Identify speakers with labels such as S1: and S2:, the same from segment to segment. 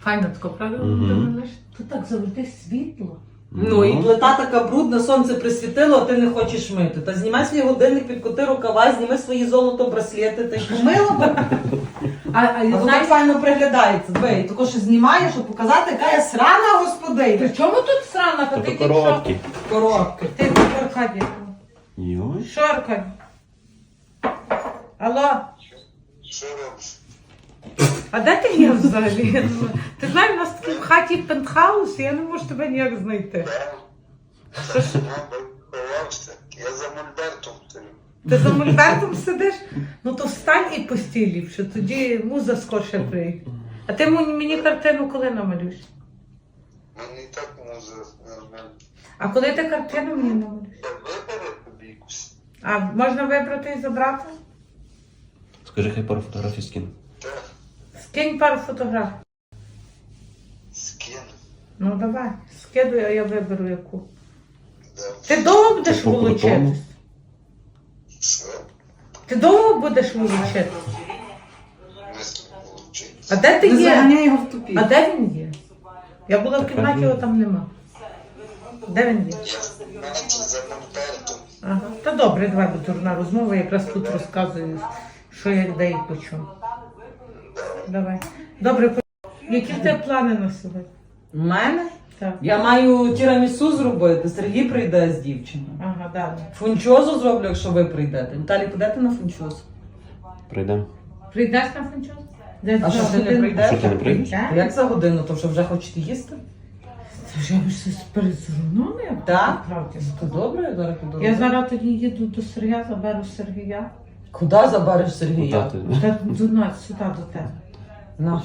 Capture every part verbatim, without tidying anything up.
S1: Файно тако, правда?
S2: Мгм.
S1: Тут так завжди світло.
S3: Ну і плита така брудна, сонце присвітило, а ти не хочеш мити. Та знімай свій годинник, підкоти рукава, зніми свої золото браслети, ти ж помила б.
S1: А, а,
S3: А воно
S1: знаєш,
S3: так файно приглядається. Диви, тако що знімаєш, щоб показати, яка я срана господиня.
S1: при чому тут срана? Та
S2: Тобто
S1: ти
S2: короткі.
S3: Коробки.
S1: Ти в Аркадії.
S2: Йой.
S1: Що, Аркадій? Алло?
S4: Що робиш?
S1: А де ти є взагалі? Я думаю, ти знаєш, у нас такий в хаті пентхаус, і я не можу тебе ніяк знайти.
S4: Та ж мабуть, ховався. Я за мольбертом стою.
S1: Ти за мольбертом сидиш? Ну то встань і постій ліпше, тоді муза скорше прийде. А ти мені, мені картину коли намалюєш?
S4: Мені і так муза нормально.
S1: А коли ти картину мені намалюєш?
S4: Я вибери тобі якусь.
S1: А можна вибрати і забрати?
S2: Скажи, хай пару фотографій скину.
S4: Так,
S1: Скинь пару фотографій.
S4: скину.
S1: Ну давай, скидуй, а я виберу яку.
S4: Да.
S1: Ти довго будеш
S2: По крутому.
S1: волочитись?
S4: Що?
S1: Ти довго будеш волочитись?
S4: Мисло получить.
S1: А де ти
S3: Не
S1: є?
S3: заганяй його в тупік.
S1: А де він є? Я була в
S2: Так,
S1: кімнаті,
S2: а
S1: його
S2: він-
S1: там нема. Де він є?
S4: Я значить за мольбертом.
S1: Ага. Та добре, давай, бо дурна розмова, якраз тут розказую, що як де і по чому. Давай. Добре, по- які в тебе плани на сьогодні?
S3: У мене?
S1: Так.
S3: Я маю тірамісу зробити, Сергій прийде з дівчиною.
S1: Ага, далі.
S3: Фунчозу зроблю, якщо ви прийдете. Віталій, підете на фунчозу?
S2: Прийдемо.
S1: Прийдеш на франчоз? Де
S3: А що ти не
S1: годину?
S3: прийдеш?
S2: Що ти не прийдеш?
S1: Так?
S3: Як за годину, то що вже хочете їсти?
S1: Це вже ви щось передзвонили?
S3: Так.
S1: Правді.
S3: То добре, я зараз піду.
S1: Я зараз тоді їду до Сергія, заберу Сергія.
S3: Куди забереш Сергія?
S2: Тати.
S1: Та до нас, сюди до тебе.
S3: Наш.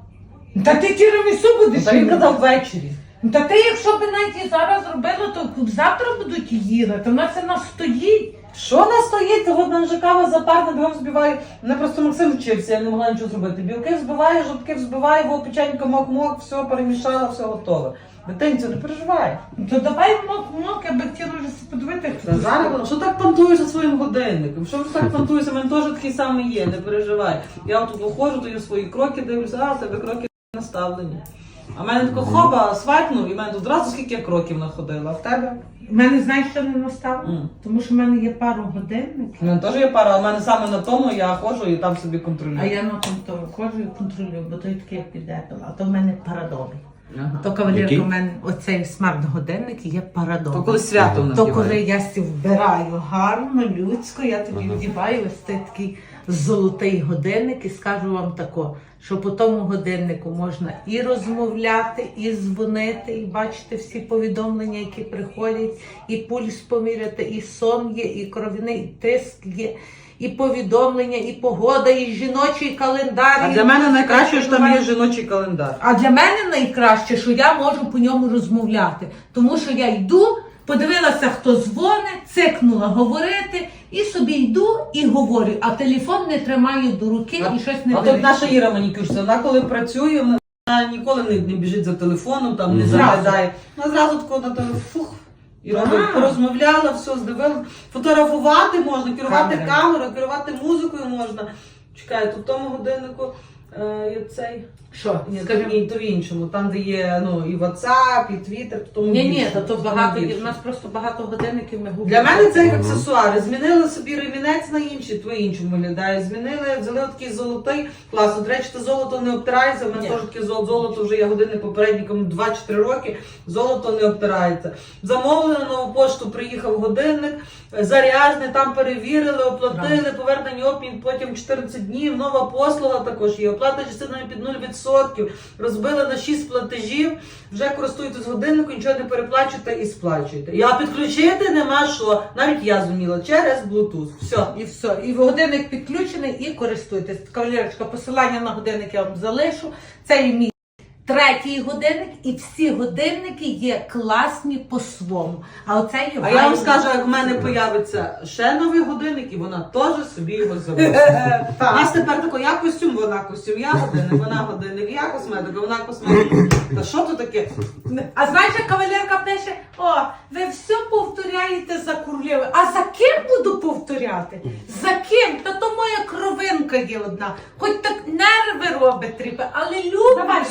S1: Та ти тірамісу будеш
S3: Та він
S1: їсти?
S3: казав ввечері.
S1: Ну, та ти, якщо б навіть і зараз зробила, то завтра будуть їли, то в нас це нас стоїть.
S3: Що нас стоїть? От мене вже кава запарна, бігом збиваю. Мене просто Максим вчився, я не могла нічого зробити. Білки взбиваю, жовтки взбиваю, во печенька мок-мок, все перемішала, все готове. Дитинцю, не переживай.
S1: Ну, то давай мок-мок, я би хотіла вже подивити, як
S3: Та
S1: це
S3: зараз,
S1: зробити.
S3: що так понтуєшся своїм годинником? Що ж так понтуєшся? У мене теж такий самий є, не переживай. Я тут виходжу, то я свої кроки дивлюся, а в тебе кроки наставлені. А в мене тако хоба, свайпнув, і в мене тут одразу скільки я кроків находила. А в тебе?
S1: У мене, знаєш, що не настав?
S3: М.
S1: Тому що в мене є пару годинників,
S3: У мене теж є пара, а в мене саме на тому я ходжу і там собі контролюю.
S1: а я на тому тому ходжу і контролюю, бо той такий як піде, а то в мене парадовий.
S3: Ага.
S1: То кавалерка
S2: Який?
S1: в мене оцей смарт-годинник є парадовий.
S3: То коли свято у нас
S1: То
S3: є.
S1: коли я сі вбираю гарно, людсько, я тобі
S2: Ага.
S1: вдіваю ось цей такий золотий годинник і скажу вам тако, що по тому годиннику можна і розмовляти, і дзвонити, і бачити всі повідомлення, які приходять, і пульс поміряти, і сон є, і кров'яний тиск є, і повідомлення, і погода, і жіночий календар.
S3: А
S1: і
S3: для мене
S1: музика,
S3: найкраще, що там є
S1: і
S3: жіночий календар.
S1: а для мене найкраще, що я можу по ньому розмовляти. Тому що я йду, подивилася, хто дзвонить, цикнула говорити, і собі йду і говорю, а телефон не тримаю до руки і щось не
S3: А тут
S1: вирішую.
S3: наша Іра манікюрщиця, вона коли працює, вона ніколи не, не біжить за телефоном, там не
S1: Зразу.
S3: заглядає. Вона зразу тако на телефон, фух, і робить,
S1: А.
S3: порозмовляла, все, здивила. Фотографувати можна, керувати
S1: Камера.
S3: камерою, керувати музикою можна. Чекай, тут в тому годиннику е, є цей.
S1: Що?
S3: Ні, то,
S1: Скажи.
S3: ні, то в іншому, там, де є ну, і WhatsApp, і Twitter, то тому
S1: Ні, ні,
S3: більше,
S1: то, то
S3: тому
S1: багато,
S3: більше.
S1: у нас просто багато годинників ми губимо.
S3: Для мене це як
S2: Мгм.
S3: аксесуари. Змінили собі ремінець на інший, твій іншому виглядає. Змінили, взяли такий золотий. Класно. До речі, те золото не обтирається. У мене
S1: Ні.
S3: теж таке золото, золото вже є годинник попередником два-чотири роки. Золото не обтирається. Замовили на нову пошту, приїхав годинник, заряжний, там перевірили, оплатили, повернення обмін, потім чотирнадцять днів. Нова послуга також є. Оплата частинами під нуль відсотків. Розбили на шість платежів, вже користуєтесь годинником, нічого не переплачуєте і сплачуєте. А підключити нема що. Навіть я зуміла через Bluetooth. Все.
S1: І все. І годинник підключений, і користуйтесь. Кавалерочка, посилання на годинник я вам залишу. Це є мій третій годинник, і всі годинники є класні по-своєму. А оце є
S3: А я вам скажу, як в мене появиться ще новий годинник, і вона теж собі його завозить. У нас тепер тако, я костюм, вона костюм, я годинник, вона годинник, я косметика, вона косметика. Та що то таке?
S1: А знаєш, як кавалерка пише, о, ви все повторяєте за Курлєвою. А за ким буду повторяти? За ким? Та то моя кровинка є одна. Хоч так нерви робить тріпи, але люблю.
S3: Давай, все,
S1: її.
S3: йдемо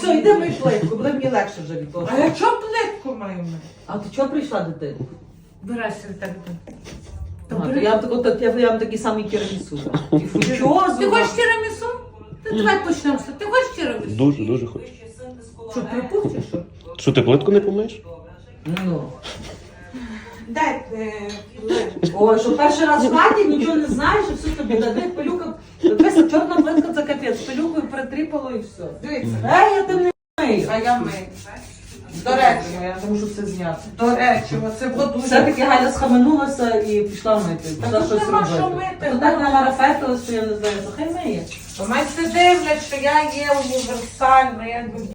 S3: мій плитку, буде мені легше вже від того.
S1: А я чого плитку маю мити?
S3: А ти чого прийшла, дитина?
S1: Вирайся так.
S3: А, то я вам тако- так- я я вам такий самий тірамісу. І фучозу.
S1: Ти хочеш тірамісу? Та давай почнемо. з- Ти хочеш тірамісу?
S2: Дуже, дуже хочу.
S1: Що, припух чи що?
S2: Що, ти плитку не помиєш?
S3: Ну.
S1: Дай е, плитку.
S3: Ой, що перший раз в хаті, нічого не знаєш, і все тобі дадуть, пилюка. Дивися, чорна плитка це капець, пилюкою притріпало і все.
S1: Дивіться.
S3: Ей, я тим не мию.
S1: А я мию. До речі,
S3: я не можу все зняти.
S1: до речі, оце воду.
S3: Все-таки Галя схаменулася і пішла мити. Пішла
S1: тут
S3: щось
S1: нема що
S3: робити.
S1: мити.
S3: То так намарафетилась, що я не знаю, що хай миє.
S1: Бо мене все дивлять, що я є універсальна, якби